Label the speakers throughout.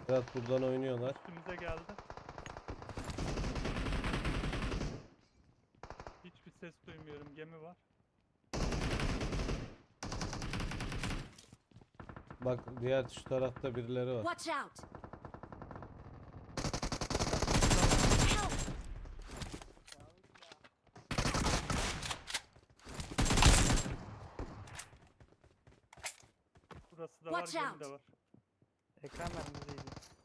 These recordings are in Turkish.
Speaker 1: Berat buradan oynuyorlar.
Speaker 2: Üstümüze geldi. Hiçbir ses duymuyorum. Gemi var.
Speaker 1: Bak diğer şu tarafta birileri var.
Speaker 3: Watch out! Help!
Speaker 2: Burası da var,
Speaker 3: Watch
Speaker 2: gemi
Speaker 3: out.
Speaker 2: de var.
Speaker 4: Ekran vermemizdeydi.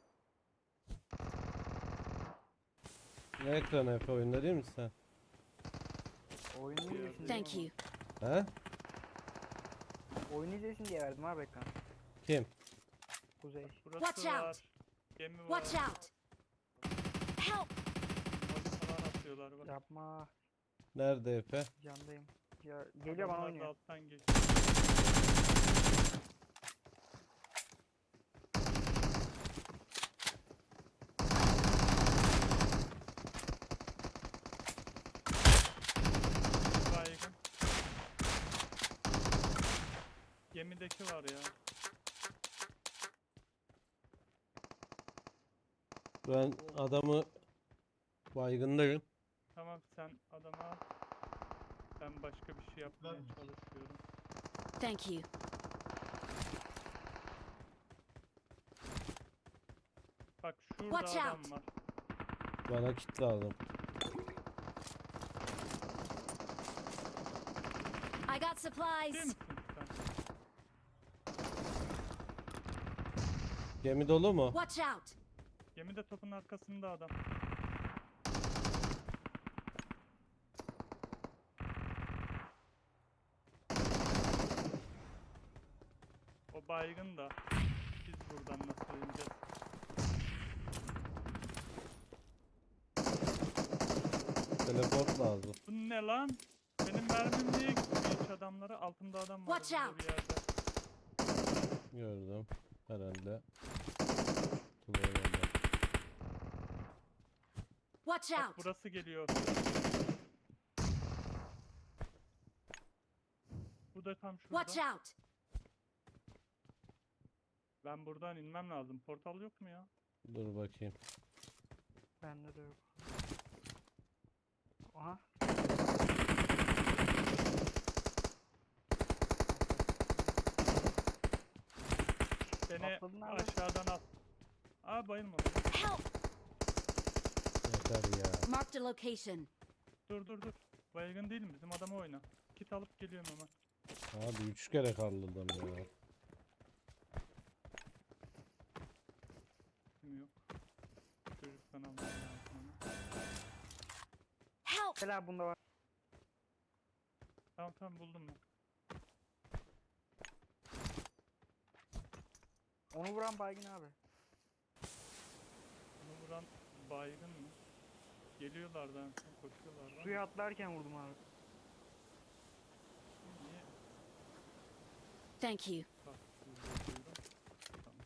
Speaker 1: Ne ekranı Efe, oyunda değil misin sen?
Speaker 4: Oyunu
Speaker 2: Diyor.
Speaker 4: izlesin
Speaker 3: Thank you.
Speaker 1: He?
Speaker 4: Oyunu izlesin diye verdim abi ekran.
Speaker 1: Kim?
Speaker 4: Kuzey.
Speaker 2: Burası
Speaker 3: Watch
Speaker 2: var.
Speaker 3: out.
Speaker 2: Gemi var.
Speaker 3: Watch out! Help!
Speaker 2: Body falan atıyorlar bak.
Speaker 4: Yapma.
Speaker 1: Nerede Efe?
Speaker 4: Candayım. Ya, geliyor bana
Speaker 2: Adamlar da
Speaker 4: oynuyor.
Speaker 2: alttan geçiyor. Baygın. Gemideki var ya.
Speaker 1: Ben adamı baygındayım.
Speaker 2: Tamam, sen adama al. Ben başka bir şey yapmaya çalışıyorum.
Speaker 3: Thank you.
Speaker 2: Bak şurada
Speaker 3: Watch
Speaker 2: adam
Speaker 3: out.
Speaker 2: var.
Speaker 1: Bana kit lazım.
Speaker 3: I got
Speaker 2: Değil
Speaker 3: supplies.
Speaker 2: misin sen?
Speaker 1: Gemi dolu mu?
Speaker 3: Watch out!
Speaker 2: Gemide topun arkasında adam. O baygın da. Biz buradan nasıl ineceğiz?
Speaker 1: Teleport lazım.
Speaker 2: Bu ne lan? Benim mermim niye gitmiyor hiç adamlara? Altımda adam var
Speaker 3: Watch
Speaker 2: burada
Speaker 3: out.
Speaker 2: bir yerde.
Speaker 1: Gördüm. Herhalde. Kullanıyorum.
Speaker 3: Watch
Speaker 2: Bak
Speaker 3: out!
Speaker 2: burası geliyor. Bu da tam şurada.
Speaker 3: Watch out!
Speaker 2: Ben buradan inmem lazım. Portal yok mu ya?
Speaker 1: Dur bakayım.
Speaker 4: Bende de yok. Aha.
Speaker 2: Beni
Speaker 4: Atladın abi.
Speaker 2: aşağıdan at. Aa, bayılma.
Speaker 3: Help!
Speaker 1: Yeter ya.
Speaker 3: Marked a location.
Speaker 2: Dur. Baygın değilim, bizim adamı oyna. Kit alıp geliyorum hemen.
Speaker 1: Abi 3 kere karladım ya.
Speaker 2: Kim yok. Çocuktan almam lazım onu.
Speaker 3: Help!
Speaker 4: Gel abi bunda var.
Speaker 2: Tamam buldum ben.
Speaker 4: Onu vuran baygın abi.
Speaker 2: Bunu vuran baygın mı? Geliyorlardan sonra koşuyorlar.
Speaker 4: Suya atlarken vurdum abi.
Speaker 2: Niye?
Speaker 3: Thank you.
Speaker 2: Bak, duydum. Tamam.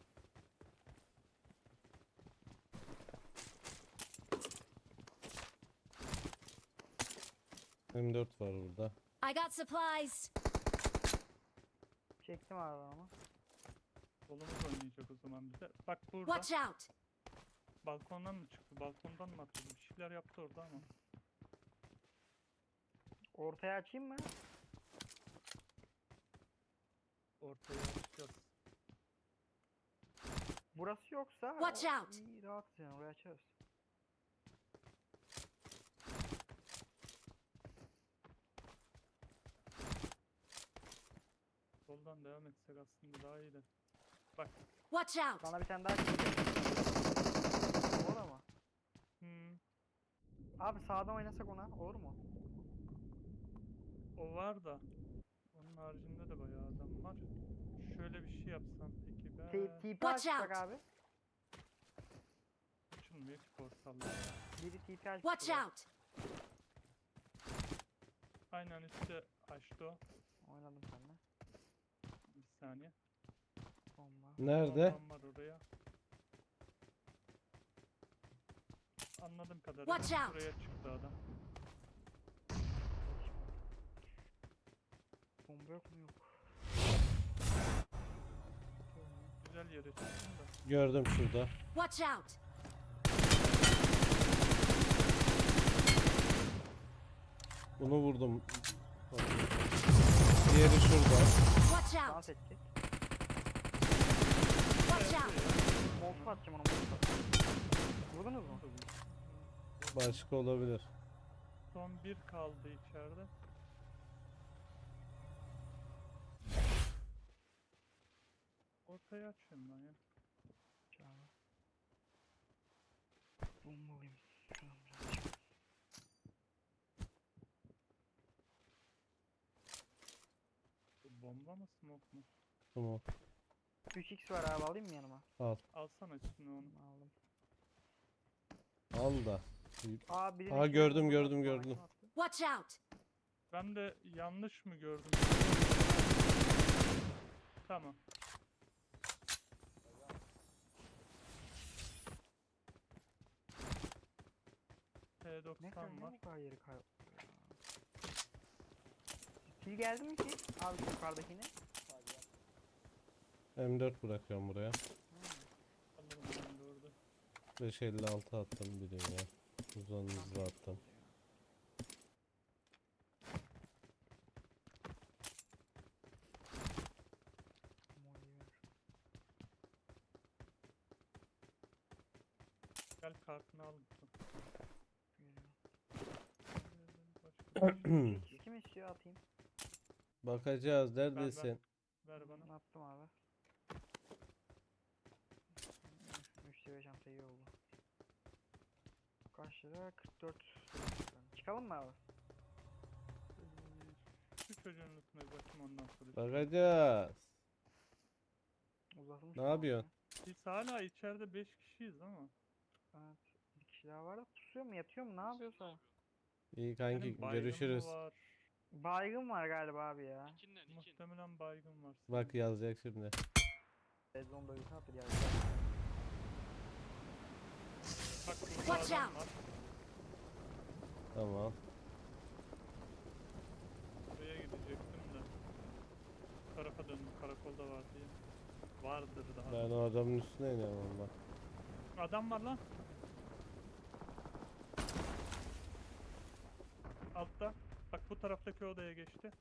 Speaker 1: M4 var burada.
Speaker 3: I got supplies.
Speaker 4: Çektim abi ama.
Speaker 2: Solumuz oynayacak o zaman bize. Bak burada.
Speaker 3: Watch out!
Speaker 2: Balkondan mı çıktı? Balkondan mı atladı? Bir şeyler yaptı orada ama.
Speaker 4: Ortaya açayım mı?
Speaker 2: Ortaya açacağız.
Speaker 4: Burası yoksa
Speaker 3: Watch out.
Speaker 4: iyi, rahat yani oraya açarız.
Speaker 2: Soldan devam etsek aslında daha iyi de. Bak.
Speaker 3: Watch out!
Speaker 4: Bana bir tane daha çıkacak. Olur mu? Abi sağdan oynasak ona olur mu?
Speaker 2: O var da. Onun haricinde de bayağı adam var. Şöyle bir şey yapsam peki ben.
Speaker 4: TP
Speaker 3: Watch
Speaker 4: açacak
Speaker 3: out.
Speaker 4: abi.
Speaker 2: Açılmıyor ki portallar ya.
Speaker 4: Biri TP açacak.
Speaker 3: Watch out!
Speaker 2: Aynen üstte açtı o.
Speaker 4: Oynadım seninle.
Speaker 2: Bir saniye.
Speaker 4: Bomba.
Speaker 1: Nerede?
Speaker 2: Bombam var oraya. Anladığım kadarıyla
Speaker 3: Watch out.
Speaker 2: buraya çıktı adam.
Speaker 4: Bomba yok mu? Yok.
Speaker 2: Güzel Güzel yere çıktın da.
Speaker 1: Gördüm şurada.
Speaker 3: Watch out!
Speaker 1: Bunu vurdum. Diğeri şurada.
Speaker 3: Watch out!
Speaker 4: Dans edecek.
Speaker 3: Watch out!
Speaker 4: Molotof atacağım ona, molotof atacağım. Vurdunuz mu?
Speaker 1: Başka olabilir.
Speaker 2: Son bir kaldı içeride. Ortaya açayım lan ya.
Speaker 4: Çağla. Bombalıyım. Şuradan birazcık.
Speaker 2: Bu bomba mı smoke mu?
Speaker 1: Tamam.
Speaker 4: 3x var abi, alayım mı yanıma?
Speaker 1: Al.
Speaker 2: Alsana üstüne onu.
Speaker 4: Aldım.
Speaker 1: Al da.
Speaker 4: Aa, biri
Speaker 1: Aa,
Speaker 4: bir
Speaker 1: gördüm,
Speaker 4: bomba
Speaker 1: gördüm,
Speaker 4: attı, bana
Speaker 1: gördüm.
Speaker 4: kim attı?
Speaker 3: Watch out!
Speaker 2: Ben de yanlış mı gördüm? Tamam.
Speaker 4: Ne kadar
Speaker 2: T90 var.
Speaker 4: ne bu kadar yeri kay... Kill geldi mi ki? Abi şu yukarıdakini.
Speaker 1: M4 bırakıyorum buraya.
Speaker 2: Alırım ben de orada.
Speaker 1: 556 attım bir dünya. Uzun hızlı attım.
Speaker 2: Gel kartını al.
Speaker 4: Kim istiyor, atayım.
Speaker 1: Bakacağız. Neredesin?
Speaker 2: Ver bana.
Speaker 4: Attım abi. 3 seviye çanta iyi oldu. Kaç lira? 44. Çıkalım mı abi?
Speaker 2: Şu çocuğun üstüne bakayım ondan sonra.
Speaker 1: Bakacağız.
Speaker 4: Uzatılmış.
Speaker 1: Ne
Speaker 4: mı
Speaker 1: yapıyorsun?
Speaker 2: Biz hala içeride 5 kişiyiz ama.
Speaker 4: Evet. Bir kişi daha var da pusuyor mu, yatıyor mu, ne yapıyorsa?
Speaker 1: İyi kanki,
Speaker 2: Senin baygın mı
Speaker 1: görüşürüz.
Speaker 2: var?
Speaker 4: Baygın var galiba abi ya.
Speaker 2: Muhtemelen baygın var.
Speaker 1: Bak yazacak şimdi.
Speaker 4: Red bölgesine attı geldi.
Speaker 2: Bak burada
Speaker 3: Watch
Speaker 2: adam
Speaker 3: out.
Speaker 2: var.
Speaker 1: Tamam.
Speaker 2: Buraya gidecektim de. Bu tarafa döndüm. Karakolda var diye. Vardır daha.
Speaker 1: Ben o adamın üstüne iniyorum bak.
Speaker 2: Adam var lan. Altta. Bak bu taraftaki odaya geçti.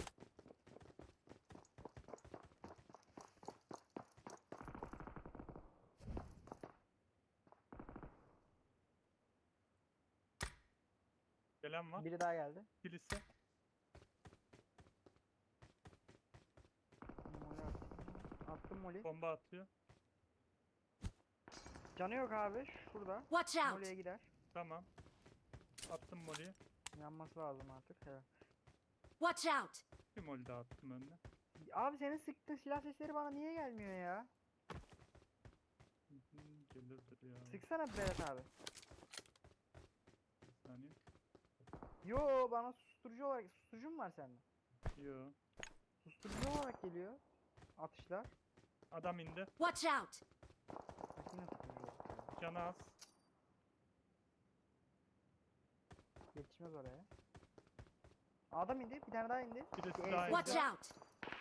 Speaker 2: Gelen var.
Speaker 4: Biri daha geldi.
Speaker 2: Kilise.
Speaker 4: Moli attım. Attım moli.
Speaker 2: Bomba atıyor.
Speaker 4: Canı yok abi, şurada.
Speaker 3: Watch out!
Speaker 4: Moli'ye gider.
Speaker 2: Tamam. Attım molly'yi.
Speaker 4: Yanması lazım artık. Evet.
Speaker 3: Watch out!
Speaker 2: Bir molly daha attım önüne.
Speaker 4: Abi senin sıktığın silah sesleri bana niye gelmiyor ya?
Speaker 2: Gelirdir ya.
Speaker 4: Sıksana Berat abi.
Speaker 2: Bir saniye.
Speaker 4: Yo, bana susturucu olarak, susturucu mu var sende?
Speaker 2: Yo.
Speaker 4: Susturucu olarak geliyor. Atışlar.
Speaker 2: Adam indi.
Speaker 3: Watch out!
Speaker 4: Bak yine susturucu olarak geliyor.
Speaker 2: Canı az.
Speaker 4: Yetişmez oraya. Adam indi, bir tane daha indi.
Speaker 2: Birisi
Speaker 4: Bir
Speaker 2: daha
Speaker 4: el
Speaker 2: indi.
Speaker 3: Watch
Speaker 4: sesi.
Speaker 3: out!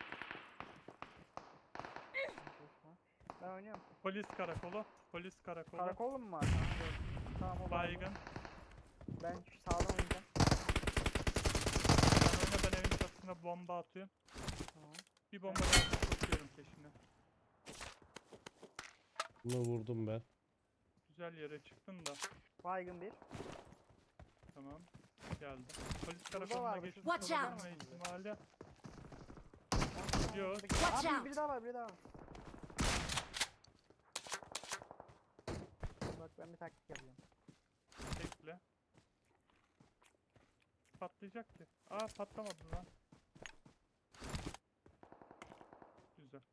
Speaker 4: Ben oynuyorum.
Speaker 2: Polis karakolu. Polis karakolu.
Speaker 4: Karakol mu var? Tamam, o
Speaker 2: Baygın.
Speaker 4: Ben şu sağdan oynayacağım.
Speaker 2: Ben oyna, ben evin çatısına bomba atıyorum.
Speaker 4: Tamam.
Speaker 2: Bir bomba daha tutuyorum peşine.
Speaker 1: Bunu vurdum ben.
Speaker 2: Güzel yere çıktın da.
Speaker 4: Baygın bir.
Speaker 2: Tamam. Geldi. Polis
Speaker 4: Burada
Speaker 2: karakoluna
Speaker 4: var,
Speaker 2: geçmiş
Speaker 3: Watch out.
Speaker 2: olma ihtimali. Yok.
Speaker 3: Watch
Speaker 4: Abi
Speaker 3: out.
Speaker 4: biri daha var, biri daha var. Bak ben bir taktik yapıyorum.
Speaker 2: Bekle. Patlayacak ki. Aa, patlamadı lan. Güzel.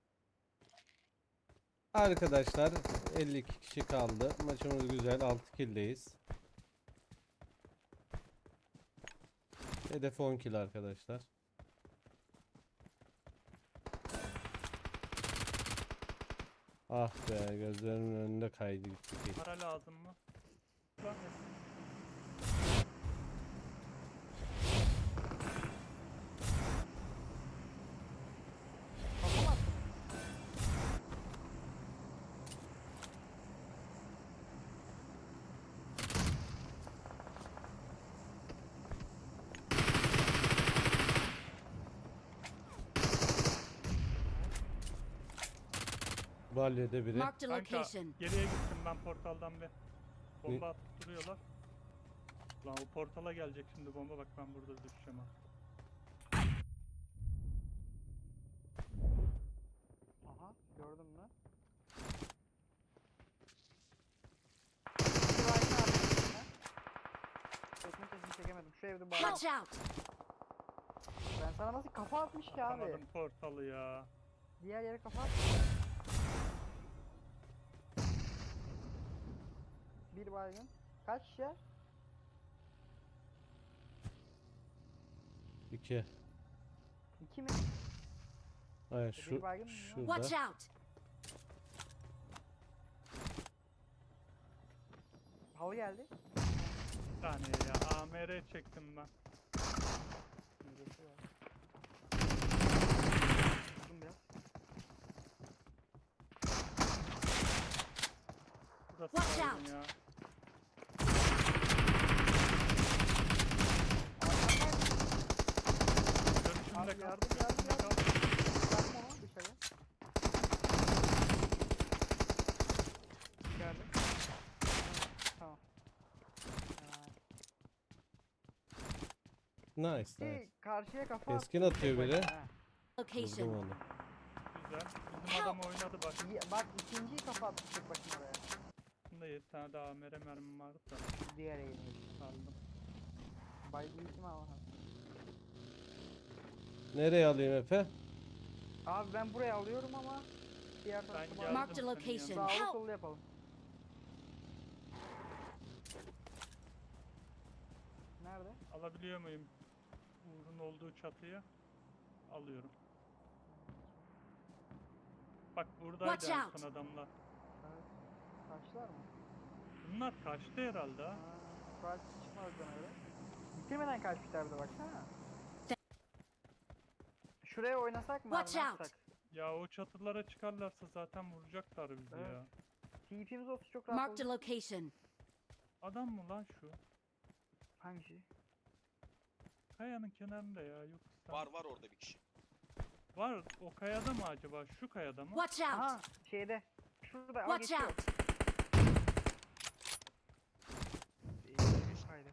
Speaker 1: Arkadaşlar 52 kişi kaldı. Maçımız güzel. 6 kill'deyiz. Hedef 10 kill arkadaşlar. Ah be, gözlerimin önünde kaydı gitti kill.
Speaker 2: Para lazım mı? Lan
Speaker 4: Kafa mı attın?
Speaker 1: Balyede biri.
Speaker 3: Marked a
Speaker 2: Kanka
Speaker 3: location.
Speaker 2: geriye gittim ben portaldan bir. Bomba atıp duruyorlar. Lan o portala gelecek şimdi bomba, bak ben burada düşeceğim ha.
Speaker 4: Aha gördün mü? Bir baygın arkasında. Çekme sesini çekemedim. Şu evde baygın.
Speaker 3: Watch out!
Speaker 4: Ben sana nasıl kafa atmış ki abi?
Speaker 2: Atamadım portalı ya.
Speaker 4: Diğer yere kafa at. Bir baygın. Kaç ya?
Speaker 1: 2.
Speaker 4: 2 mi?
Speaker 1: Hayır
Speaker 4: Bir
Speaker 1: şu
Speaker 4: baygın mı ya?
Speaker 3: Watch
Speaker 1: şurada.
Speaker 3: out!
Speaker 4: Halı geldi.
Speaker 2: Bir saniye ya. AMR çektim ben.
Speaker 4: Neresi var? Vurdum biraz.
Speaker 2: Burası
Speaker 3: Watch
Speaker 2: baygın
Speaker 3: out.
Speaker 2: ya. Görüşümde
Speaker 4: Abi
Speaker 2: kal.
Speaker 4: yardım yardım
Speaker 2: Görüşümde
Speaker 4: yardım.
Speaker 2: kal.
Speaker 4: Bırakma onu dışarı. İçeride. Tamam.
Speaker 1: Nice nice.
Speaker 4: Ki karşıya kafa
Speaker 1: Keskin
Speaker 4: attı,
Speaker 1: atıyor
Speaker 4: tek
Speaker 1: biri.
Speaker 4: başına, ha.
Speaker 1: Vurdum
Speaker 3: Location.
Speaker 1: onu.
Speaker 2: Güzel. Bizim adam oynadı bak.
Speaker 4: Bak ikinciyi kafa attı tek başına oraya.
Speaker 2: Bunda 7 tane daha AMR mermim vardı da
Speaker 4: Diğer eğilmiş.
Speaker 2: aldım.
Speaker 4: Baygın kim ama?
Speaker 1: Nereye alayım Efe?
Speaker 4: Abi ben buraya alıyorum ama diğer
Speaker 2: Ben
Speaker 4: tarafı
Speaker 2: geldim.
Speaker 3: Marked a
Speaker 2: senin
Speaker 3: location.
Speaker 2: yanına.
Speaker 4: sağlı
Speaker 3: Help!
Speaker 4: sollu yapalım. Nerede?
Speaker 2: Alabiliyor muyum? Uğur'un olduğu çatıyı alıyorum. Bak buradaydı
Speaker 3: Watch
Speaker 2: en
Speaker 3: out.
Speaker 2: son adamlar.
Speaker 4: Evet. Kaçtılar mı?
Speaker 2: Bunlar kaçtı herhalde ha.
Speaker 4: Belki çıkmaz bana öyle. Bitirmeden kaçmışlar bir de baksana. Şuraya oynasak mı
Speaker 3: Watch
Speaker 4: abi? Ne
Speaker 3: out.
Speaker 4: yapsak?
Speaker 2: Ya o çatılara çıkarlarsa zaten vuracaklar bizi
Speaker 4: Evet.
Speaker 2: ya.
Speaker 4: TP'miz olsa çok rahat
Speaker 3: Marked a
Speaker 4: olur.
Speaker 3: location.
Speaker 2: Adam mı lan şu?
Speaker 4: Hangisi?
Speaker 2: Kayanın kenarında ya, yok.
Speaker 5: Var orada bir kişi.
Speaker 2: Var, o kayada mı acaba? Şu kayada mı?
Speaker 3: Watch out!
Speaker 4: Aha şeyde. Şurada al
Speaker 3: Watch
Speaker 4: geçiyor.
Speaker 3: out!
Speaker 4: Haydi.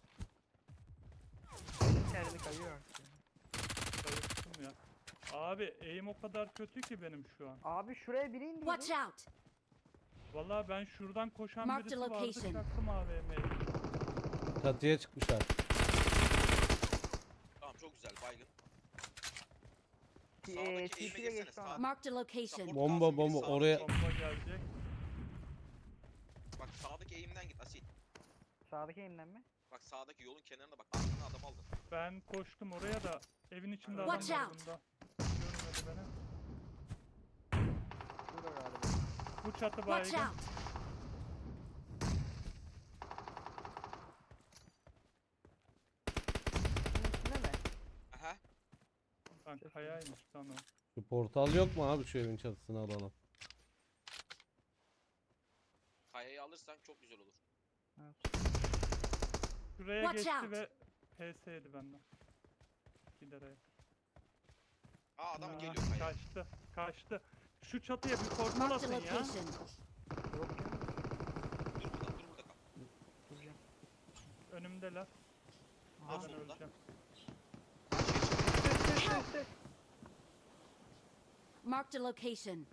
Speaker 4: İçeride kayıyor artık. ya.
Speaker 2: Bayıldım ya. Abi eğim o kadar kötü ki benim şu an.
Speaker 4: Abi şuraya biri indi.
Speaker 3: Watch out!
Speaker 2: Vallahi ben şuradan koşan
Speaker 3: Marked
Speaker 2: birisi vardı,
Speaker 3: location.
Speaker 2: çaktım AVM'yi.
Speaker 1: Çatıya çıkmışlar.
Speaker 5: Tamam çok güzel baygın.
Speaker 4: TP'ye
Speaker 5: Sağdaki eğime girsene
Speaker 4: geçti ona.
Speaker 5: sağ.
Speaker 3: Marked a location.
Speaker 1: Bomba bomba oraya.
Speaker 2: Bomba gelecek.
Speaker 5: Bak sağdaki eğimden git Asil.
Speaker 4: Sağdaki elimden mi?
Speaker 5: Bak sağdaki yolun kenarına bak. Arkana adam aldın.
Speaker 2: Ben koştum oraya da evin içinde adam
Speaker 3: Watch
Speaker 2: var
Speaker 3: out.
Speaker 2: bunda. Görmedi beni.
Speaker 4: Şurada galiba.
Speaker 2: Bu çatı
Speaker 3: Watch
Speaker 2: baygın.
Speaker 3: out!
Speaker 4: Bunun üstünde mi?
Speaker 5: Aha.
Speaker 2: Lan kayaymış lan o.
Speaker 1: Şu portal yok mu abi, şu evin çatısını alalım.
Speaker 5: Kayayı alırsan çok güzel olur.
Speaker 4: Evet.
Speaker 2: Şuraya
Speaker 3: Watch
Speaker 2: geçti
Speaker 3: out.
Speaker 2: ve PS yedi benden. Giderek.
Speaker 5: Aa adam
Speaker 2: Aa,
Speaker 5: geliyor kayaya.
Speaker 2: Kaçtı. Kaçtı. Şu çatıya bir portal
Speaker 3: Marked a
Speaker 2: atın ya.
Speaker 3: location.
Speaker 4: Yok ya.
Speaker 5: Dur burada kal.
Speaker 4: Duracağım.
Speaker 2: Önümdeler.
Speaker 5: Aha,
Speaker 2: Ben
Speaker 5: solunda.
Speaker 2: öleceğim.
Speaker 3: Marked a location.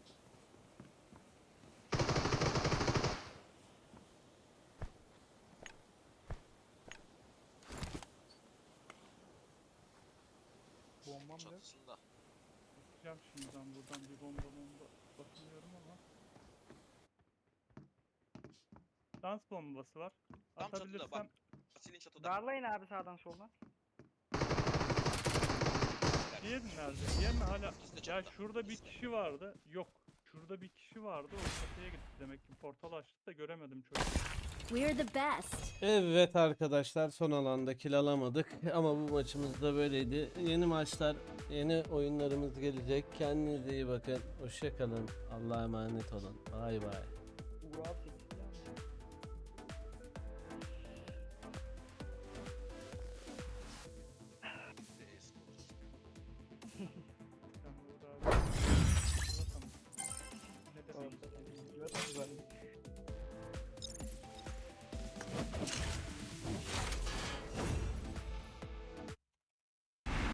Speaker 4: Bombam yok.
Speaker 5: Çatısında.
Speaker 2: Bakacağım şimdi ben buradan bir bomba bakıyorum ama. Dans bombası var.
Speaker 5: Tam çatıda
Speaker 2: Atabilirsem
Speaker 5: bak. Asil'in çatıda.
Speaker 4: Darlayın abi sağdan soldan.
Speaker 2: diğeri nerede? Diğer mi hala?
Speaker 5: İkisi de
Speaker 2: Ya
Speaker 5: çatıda,
Speaker 2: şurada bir
Speaker 5: ikisi de.
Speaker 2: kişi vardı. Yok. Şurada bir kişi vardı. O çatıya gitti demek ki. Portal açtı da göremedim çocuğu.
Speaker 3: We're the best.
Speaker 1: Evet arkadaşlar, son alanda kill alamadık ama bu maçımız da böyleydi. Yeni maçlar, yeni oyunlarımız gelecek. Kendinize iyi bakın. Hoşça kalın. Allah'a emanet olun. Bay bay.
Speaker 4: Uğur 8.